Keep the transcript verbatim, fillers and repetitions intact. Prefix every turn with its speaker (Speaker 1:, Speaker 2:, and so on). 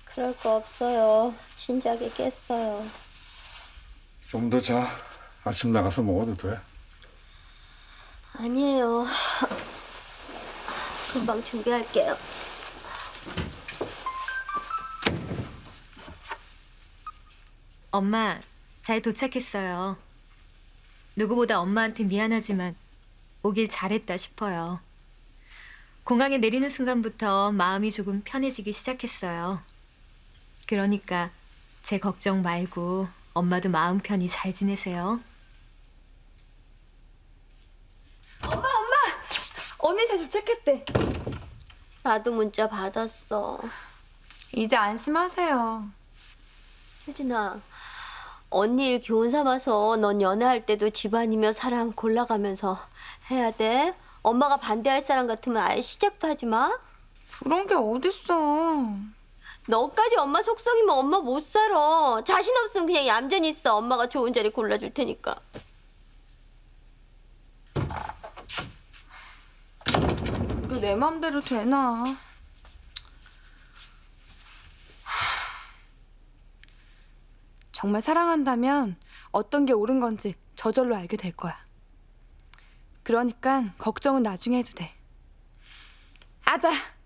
Speaker 1: 그럴 거 없어요. 진작에 깼어요.
Speaker 2: 좀 더 자. 아침 나가서 먹어도 돼.
Speaker 1: 아니에요. 금방 준비할게요.
Speaker 3: 엄마, 잘 도착했어요. 누구보다 엄마한테 미안하지만 오길 잘했다 싶어요. 공항에 내리는 순간부터 마음이 조금 편해지기 시작했어요. 그러니까 제 걱정 말고 엄마도 마음 편히 잘 지내세요.
Speaker 4: 엄마, 엄마! 언니 잘 도착했대.
Speaker 1: 나도 문자 받았어.
Speaker 4: 이제 안심하세요.
Speaker 1: 효진아, 언니 일 교훈 삼아서 넌 연애할 때도 집안이며 사람 골라가면서 해야 돼. 엄마가 반대할 사람 같으면 아예 시작도 하지 마.
Speaker 4: 그런 게 어딨어.
Speaker 1: 너까지 엄마 속썩이면 엄마 못 살아. 자신 없으면 그냥 얌전히 있어. 엄마가 좋은 자리 골라줄 테니까.
Speaker 4: 이게 내 맘대로 되나. 정말 사랑한다면 어떤 게 옳은 건지 저절로 알게 될 거야. 그러니까 걱정은 나중에 해도 돼. 아자!